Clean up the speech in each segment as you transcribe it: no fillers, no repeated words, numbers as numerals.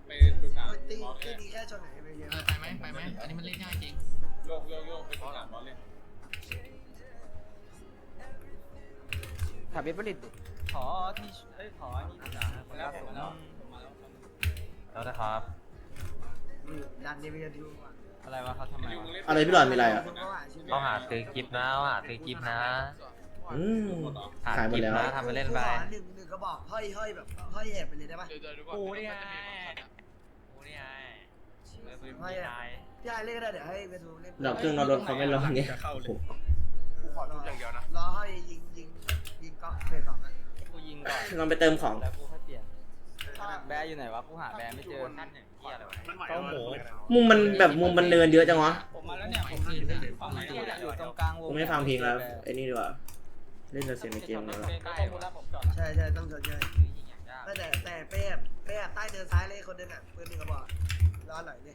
ไปสุสานตีบอสตีเลยนี้แค่ชนไหนไปเยอะไปไหมอันนี้มันเล่นง่ายจริงโยกไปสุสานบอสเลยถามเบสบริตขอที่ขอนี่ดีกว่าคนละสูงแล้วแล้วนะครับดันเดวิดดูอะไรวะเขาทำไมอะไรพี่หลอดมีอะไรอ่ะต้องหาซื้อกิฟต์นะหาซื้อกิฟต์นะอืมหาขายหมดกิฟแล้วต์นะทำไปเล่นไปหนึ่งกระบอกห้อยแบบห้อยแอบไปเลยได้ปะกูนี่ไงกูนี่ไงไม่มีนายพี่ไอเล่นก็ได้เดี๋ยวให้เวทูเล่นดอกเครื่องนอนรถเขาไม่ร้องเงี้ยโอ้โหขอรออย่างเดียวนะรอให้ยิงก็เฟสสองอ่ะกูยิงก่อนลองไปเติมของแล้วกูค่อยเปลี่ยนแบร์อยู่ไหนวะกูหาแบร์ไม่เจอนั่นเนี่ยเหี้ยอะไรวะเต้าหมูมุมมันแบบมุมมันเนินเยอะจังวะผมมาแล้วเนี่ยผมอยู่ตรงกลางวงกูไม่ฟังเพลงแล้วไอ้นี่ดีกว่าเล่นแต่เสียงในเกมเลยว่ะใกล้ๆแล้วผมจอดใช่ต้องชนใช่แต่เป๊ะใต้เดินซ้ายเลยคนนึงอ่ะปืนหนึ่งกระบอกรอหน่อยดิ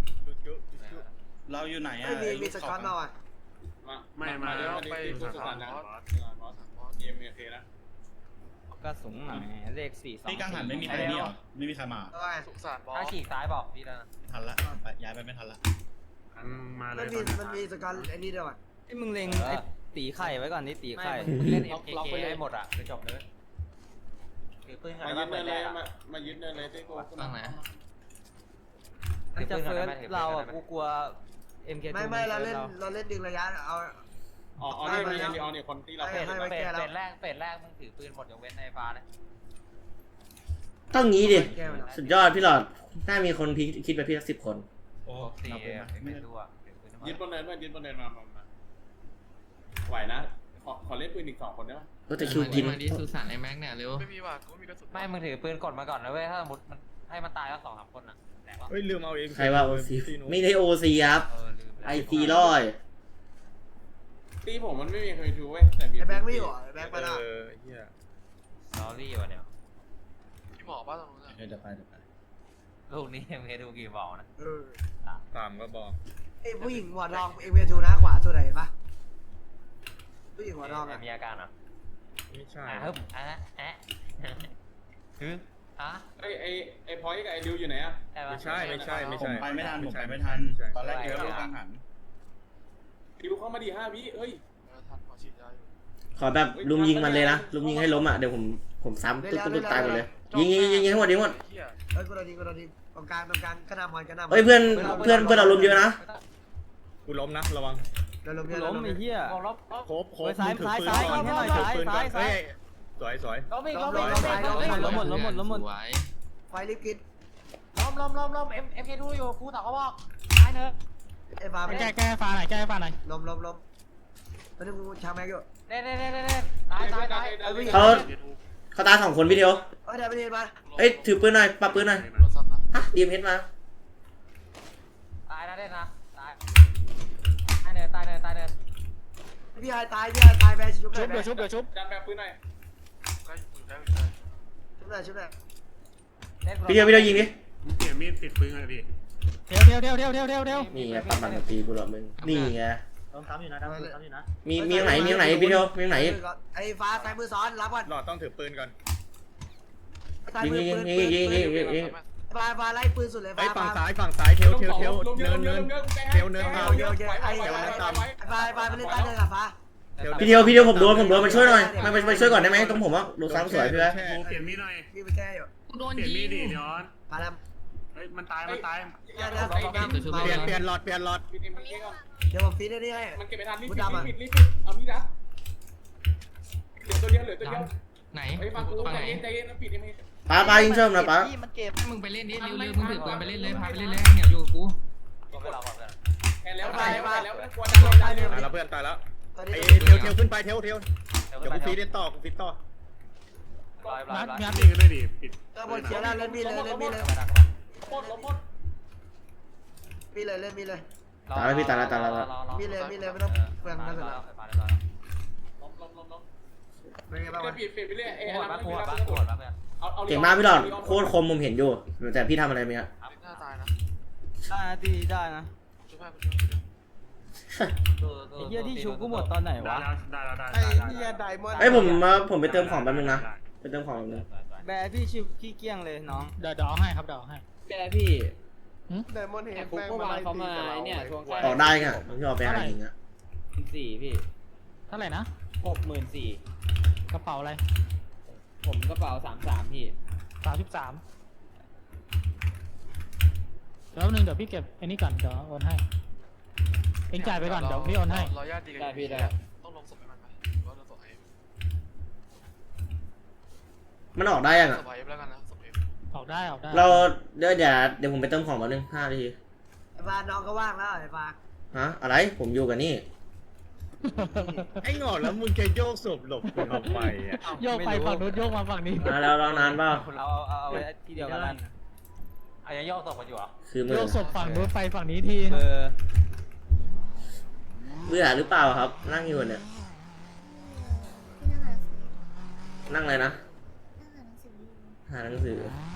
เราอยู่ไหนอ่ะไม่มีสกอตมาอ่ะมาเดี๋ยวไปสุสานนะบอสเอ็มเคนะก็สูงหน่อยเลข4 2 ที่กังหันไม่มีใครนี่หรอไม่มีใครมาเอาไงถ้าฉีกซ้ายบอกพี่แล้วนะทันละย้ายไปไม่ทันละมันมีสกอตไอ้นี่ด้วยว่ะไอ้มึงเล็งไอ้ตีไข่ไว้ก่อนนี่ตีไข่มึงเล่น MKK ให้หมดอ่ะคือจบเลยถือปืนกันมาได้ยึดไหมเนินเลยมายึดเนินเลยที่กูตั้งไหนมันจะเฟิร์สเราอ่ะกูกลัว MK2 ไม่เราเล่นดึงระยะเอาอ๋อเนี่ยมีออนเนี่ยคนที่เราเป็ดแรกมึงถือปืนหมดยกเว้นในฟ้าเลยต้องงี้ดิสุดยอดพี่หลอดน่ามีคนคิดไปพี่สัก10 คนโอ้ตีไม่ไม่รู้อ่ะยึดบนเนินยึดบนเนินมาไหวนะขอเล่นปืนอีก2 คนได้ไหมก็จะคิวกินมาดิสุสานในแม็กเนี่ยเร็วไม่มึงถือปืนกดมาก่อนนะเว้ยถ้าสมมติมันให้มันตายแล้ว2-3 คนอ่ะแต่ว่าเฮ้ยลืมเอาเองใครว่าโอซีไม่ได้โอซีครับลืมไอซีร้อยตีผมมันไม่มีใครทูเว้ยแต่มีไอ้แบงค์ไม่อยู่ไอ้แบงค์มาละเฮียลอรี่วะเนี่ยเดี๋ยวไปลูกนี้เอ็มเคดูกี่บอกนะตามก็บอกไอ้ผู้หญิงหัวทองเอเวทูนะขวาสุดไหนปะผู้หญิงหัวทองอ่ะมีอาการเหรอไม่ใช่ฮึบฮึไอ้พอยกับไอ้ดิวอยู่ไหนอ่ะไม่ใช่ผมไปไม่ทันตอนแรกเจอลูกกังหันดิวเข้ามาดี5 วิเฮ้ยขอแบบลุมยิงมันเลยนะลุมยิงให้ล้มอ่ะเดี๋ยวผมซ้ำตุ๊บตายหมดเลยยิงให้หมดยิงหมดเฮ้ยกูโดนยิงตรงกลางกระนำมันเฮ้ยเพื่อนเราลุมเยอะนะกูล้มนะระวังเราล้มกูล้มไอ้เหี้ยโคบซ้ายยิงให้หน่อยซ้ายสวยล้มหมดสวยไฟรีบกินล้มเอ็มเคดูอยู่กูต่อเขาบอกตายเนอะไอ้ฟ้าไม่แก้ฟ้าหน่อยล้มแล้วนี่กูชาแม็กอยู่เน่ตายเขาตาย2 คนพี่เดียวเฮ้ยเดี๋ยวไปเรียนมาเอ้ยถือปืนหน่อยปรับปืนหน่อยฮะดีมเฮดมาตายนะเด่นนะตายเนินพี่ไอ้ตายแบนชุบดันแบบปืนหน่อยชุบเลยพี่เดียวยิงดิเปลี่ยนมีดติดปืนเลยพี่เดี๋ยวนี่ไงปั๊มมันตีกูหรอมึงนี่ไงต้องทำอยู่นะมีอย่างไหนพี่เดียวมีอย่างไหนไอ้ฟ้าใส่มือซ้อนรับก่อนหลอดต้องถือปืนก่อนยิงฟ้าไล่ปืนสุดเลยไอ้ฟ้าฝั่งซ้ายเทวเนินฟ้าไปเล่นใต้เดินกับฟ้าพี่เดียวผมโดนมาช่วยหน่อยมาช่วยก่อนได้ไหมตรงผมว่าโดนซ้ำสวยพี่แบ๊โมเปลี่ยนมีดหน่อยพี่ไปแก้อยู่กูโดนเปลี่ยนยิมีดงดิย้อนมาแล้วเฮ้ยมันตายเปลี่ยนหลอดเดี๋ยวผมฟีดได้ให้มันเก็บไปทันรีบเอามีดรับเหลือตัวเดียวไหนไอ้ฟังกูฝั่งไหนใจเย็นปิดเอ็มเคป้ายิงเชิมนะป้ามึงไปเล่นดิเร็วมึงถือปืนไปเล่นเลยพาไปเล่นเลยเนี่ยอยู่กับกูก็ไม่รอก่อนเลยแพ้แล้วกลัวตายแล้วเพื่อนตายแล้วไอ้เทวขึ้นไปเทวเดี๋ยวกูฟีดต่อกูฟีดต่องัดนี่ก็ได้ดิปิดบนเขียวแล้วเล่นมีเลยหมดพี่เลยเล่นมีเลยตายแล้วพี่ตายแล้วมีเลยไม่ต้องเปลืองกระสุนแล้วเป็นไงบ้างวะปิดไปเรื่อยโหดปะเพื่อนเก่งมากพี่หลอดโคตรคมผมเห็นอยู่แต่พี่ทำอะไรไหมฮะได้นะไอ้เหี้ยที่ชูกูหมดตอนไหนได้วะได้ไอ้เหี้ยไดมอนด์เอ้ยผมไปเติมของแป๊บนึงนะไปเติมของแป๊บนึงแบร์พี่ชิวขี้เกียงเลยน้องเดี๋ยวให้ครับเดี๋ยวให้พแกพี่ไดมอนด์เฮแต่ดคุกเมื่อวานเขามาไอ้เนี่ยทวงค่าออกได้ไงผมชอบไปหายิงอะ 4,000พี่เท่าไหร่นะ 64,000 กระเป๋าอะไรผมกระเป๋า33พี่ 33เดี๋ยวนึงเดี๋ยวพี่เก็บไอ้นี่ก่อนเดี๋ยวโอนให้เองจ่ายไปก่อนเดี๋ยวพี่โอนให้รอญาติดีกันได้พี่ได้ต้องลงศพให้มันไหมหรือว่าลงศพให้มันออกได้ยังอะศพให้แล้วกันนะศพให้ออกได้ออกได้เราเดี๋ยวผมไปเติมของแป๊บนึง5 นาทีไอ้ฟ้าน้องก็ว่างแล้วไอ้ฟ้าฮะอะไรผมอยู่กับนี่ไอ้หงอแล้วมึงจะโยกศพหลบกูทำไมอ่ะโยกไปฝั่งนู้นโยกมาฝั่งนี้แล้วเรานานเปล่าเอาไว้ที่เดียวกันเอายังโยกศพกันอยู่เหรอคือมืโยอกศพฝั่งนู้นไปฝั่งนี้ทีเบอร์เบื่อหรือเปล่าครับ นั่งอยู่เนี่ยพี่นั่งอ่านหนังสือนั่งเลยนะนั่งอ่านหนังสืออยู่หาหนังสือ